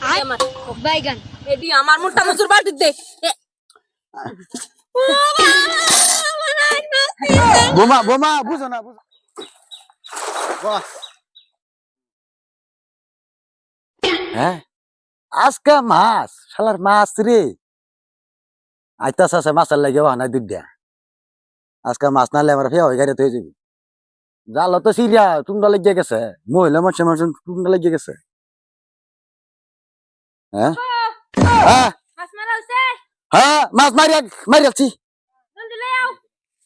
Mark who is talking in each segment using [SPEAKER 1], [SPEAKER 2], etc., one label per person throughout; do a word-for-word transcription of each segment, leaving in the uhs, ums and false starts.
[SPEAKER 1] আমার বাইগান এডি আমার মোটা মজুর বাড়ি দে
[SPEAKER 2] বোমা বোমা বুঝো না বুঝো বস হ্যাঁ আজকে মাছ শালার মাছ রে আইতাস আছে মাছের লাগে বাহানা দুধ দেয়া আজকে মাছ নালে আমার ফেয়া হয়ে গাড়িতে হয়ে যাবি জালো তো সিরিয়া টুমটা লেগে গেছে মহিলা মানুষ মানুষ টুমটা লেগে গেছে হ্যাঁ হ্যাঁ
[SPEAKER 1] মাছ মারা হইছে
[SPEAKER 2] হ্যাঁ মাছ মারিয়া মারিয়াছি
[SPEAKER 1] জলদি লই আও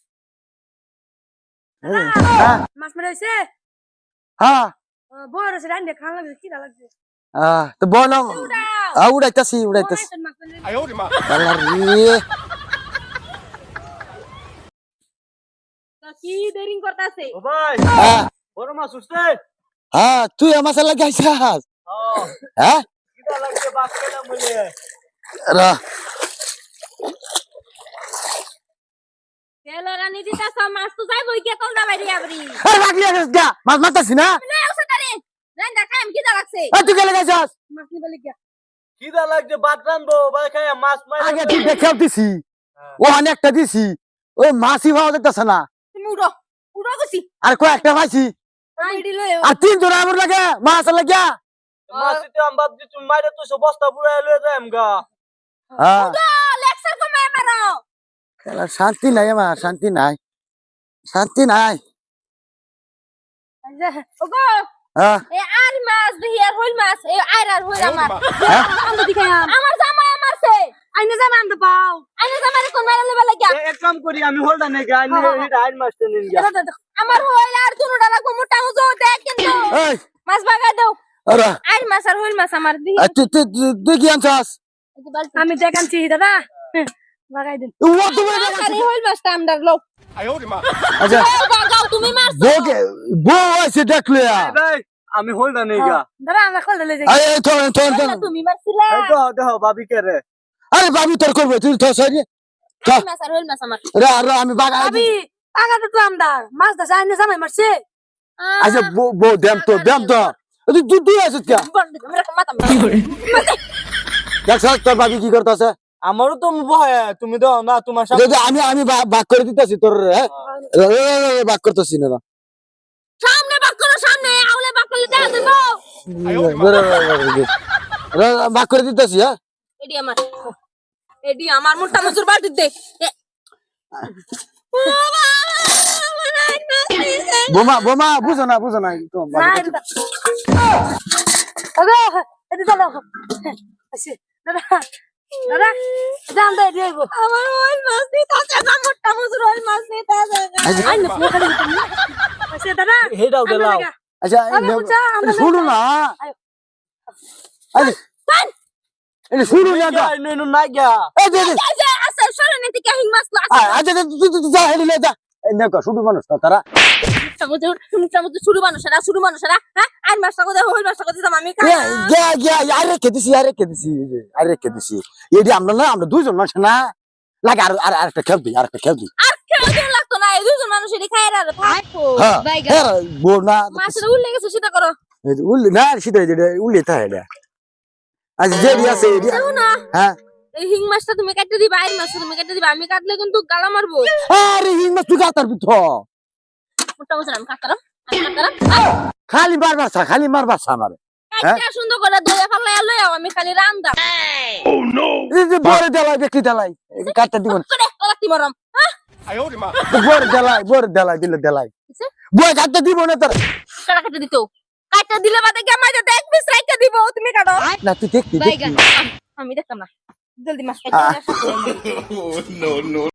[SPEAKER 2] হ্যাঁ
[SPEAKER 1] মাছ মারা হইছে
[SPEAKER 2] হ্যাঁ
[SPEAKER 1] বড় সে রান্না খাওয়া লাগবে কি লাগবে
[SPEAKER 2] আহ তো বলো উড়াইতাছি উড়াইতাছি আল্লাহ রে
[SPEAKER 1] কি দেরিং করতাছে
[SPEAKER 3] ও ভাই
[SPEAKER 2] হ্যাঁ
[SPEAKER 3] বড় মাছ উঠছে
[SPEAKER 2] হ্যাঁ তুই আমার সাথে লাগাইছাস
[SPEAKER 3] হ্যাঁ
[SPEAKER 2] হ্যাঁ
[SPEAKER 3] কিটা লাগছে বাস কেলাম বলে
[SPEAKER 2] রা
[SPEAKER 1] তেল রানি দিতাছ মাছ তো যাইবো কি কোনটা বাইরে আবরি
[SPEAKER 2] এই লাগলি আসস গা মাছ মারতাছি না
[SPEAKER 1] লই আও সাতারে রান্না খাইম কি লাগছে
[SPEAKER 2] এই তুই কে লাগাইছাস
[SPEAKER 1] মাছ নি বলি কি
[SPEAKER 3] কিটা লাগছে বাত রানবো ভাই খাই মাছ মার
[SPEAKER 2] আগে তুই দেখেও দিছি ও অনেকটা দিছি ওই মাছই ভাও দিতেছে না
[SPEAKER 1] তুমি উড়ো উড়ো গছি
[SPEAKER 2] আর কয়েকটা পাইছি
[SPEAKER 1] আইডি লই আও
[SPEAKER 2] আর তিন জন আমার লাগে মাছ লাগিয়া
[SPEAKER 3] মাছতে আম বাপ দি তুমি মাইরে তো সব বস্তা পুরাই লয়ে যাইম গা
[SPEAKER 2] হ্যাঁ
[SPEAKER 1] লেকচার কমে মারো
[SPEAKER 2] খেলা শান্তি নাই আমার শান্তি নাই শান্তি নাই
[SPEAKER 1] ওগো
[SPEAKER 2] হ্যাঁ
[SPEAKER 1] এ আর মাছ দেখি আর হইল মাছ এ আর আর হইল আমার
[SPEAKER 2] হ্যাঁ?
[SPEAKER 1] আমরা দেখাম আমার জামাই মারছে আইনে জামাই আনতে পাও আইনে জামাই কোন মারা লেবা লাগিয়া
[SPEAKER 3] এক কাম করি আমি হলদা নেই গা আমি এটা আইন মাছতে নিন গা
[SPEAKER 1] আমার হইল আর দুনুটা লাগবো মোটা মুজো দেখ কিন্তু
[SPEAKER 2] এই
[SPEAKER 1] মাছ বাগা দাও
[SPEAKER 2] আরে
[SPEAKER 1] আর মাছ আর হইল মাছ আমার দি
[SPEAKER 2] তুই তুই তুই কি আনছাস
[SPEAKER 1] আমি দেখানছি দাদা বাগাই দিন
[SPEAKER 2] ও তুমি
[SPEAKER 1] আরে হইল মাছটা আমদার লও
[SPEAKER 2] আচ্ছা
[SPEAKER 1] বাগাও তুমি মারছো
[SPEAKER 2] বউকে বউ আছে দেখলে
[SPEAKER 3] ভাই আমি হলদা নেই গা
[SPEAKER 1] দাদা আমরা কল দিলে যাই
[SPEAKER 2] আরে এই থন থন থন
[SPEAKER 1] তুমি মারছিলা
[SPEAKER 3] এই তো দেখো ভাবি কে রে
[SPEAKER 2] আরে বাবু তোর করবে তুই তো সরি
[SPEAKER 1] আর মাছ আর হইল মাছ আমার
[SPEAKER 2] রে আরে আমি বাগা
[SPEAKER 1] ভাবি আগা তো আমদার মাছ দাস আইনে জামাই মারছে
[SPEAKER 2] আচ্ছা বউ বউ দেম তো দেম তো তুই তুই তুই আছিস কে
[SPEAKER 1] আমরা মাথা কি করে
[SPEAKER 2] দেখছস তোর বাবি কি করতেছে
[SPEAKER 3] আমারও তো ভয় তুমি দাও না তোমার সাথে
[SPEAKER 2] যদি আমি আমি বাগ করে দিতেছি তোর হ্যাঁ বাগ করতেছি না
[SPEAKER 1] সামনে বাক করো সামনে আউলে বাক করলে দেখা দেবো
[SPEAKER 2] বাগ করে দিতেছি হ্যাঁ
[SPEAKER 1] এডি আমার এডি আমার মোটা মজুর বাড়ি দে
[SPEAKER 2] বোমা বোমা বুঝো না বুঝো না তো
[SPEAKER 1] ওগো এদি চলো আসি দাদা দাদা জান দে দিইবো আমার ওই মাছ নি তাছে না মোটা মজুর ওই মাছ নি তাছে আই না খালি আসি দাদা
[SPEAKER 3] হেডাও দেলাও
[SPEAKER 2] আচ্ছা শুনো না আরে এই শুনো না
[SPEAKER 3] যা নইনো না গা
[SPEAKER 2] এই দে
[SPEAKER 1] আচ্ছা সরে নিতে কে হিং মাছ লা
[SPEAKER 2] আচ্ছা তুই তুই যা হেলে যা এই দেখো শুধু মানুষ না তারা
[SPEAKER 1] সমুদ্র সমুদ্র শুরু মানুষরা শুরু মানুষরা হ্যাঁ আর মাছটা কোথায় হইল মাছটা কোথায় আমি খাই
[SPEAKER 2] গিয়া গিয়া আরে কে দিছি আরে কে দিছি আরে কে দিছি এডি আমরা না আমরা দুইজন মানুষ না লাগে আর আর আরেকটা খেল দিই আরেকটা খেল দিই
[SPEAKER 1] আর খেলা দিন লাগতো না এই দুজন মানুষ এটি খায় আর থাকো
[SPEAKER 2] হ্যাঁ হ্যাঁ বল না
[SPEAKER 1] মাছটা উল্লে গেছে সেটা করো
[SPEAKER 2] উল্লি না সেটা যেটা উল্লি তা এটা আজ যে দিয়া আছে এডি
[SPEAKER 1] না
[SPEAKER 2] হ্যাঁ
[SPEAKER 1] এই হিং মাছটা তুমি কাটতে দিবা আর মাছটা তুমি কাটতে দিবা আমি কাটলে কিন্তু গালা মারবো
[SPEAKER 2] আরে হিং মাছ তুই কাটার পিঠ
[SPEAKER 1] মোটা মজুর আমি কাটতাম আমি কাটতাম
[SPEAKER 2] খালি মারবার সা খালি মারবার সা আমারে
[SPEAKER 1] একটা সুন্দর করে দইয়া ফালাই লই আও আমি খালি রান্দা
[SPEAKER 2] ও নো এই যে বড় দেলাই দেখি দেলাই কাটতে দিব
[SPEAKER 1] করে লাকি মারম হ্যাঁ
[SPEAKER 2] বড় দেলাই বড় দেলাই দিলে দেলাই বই কাটতে দিব না তোর
[SPEAKER 1] কাটা কাটতে দিতো কাটতে দিলে বাদে কি আমায় দেখ পিস রাইখা দিব তুমি কাটো
[SPEAKER 2] না তুই দেখবি
[SPEAKER 1] আমি দেখতাম না জলদি মাছ কাটতে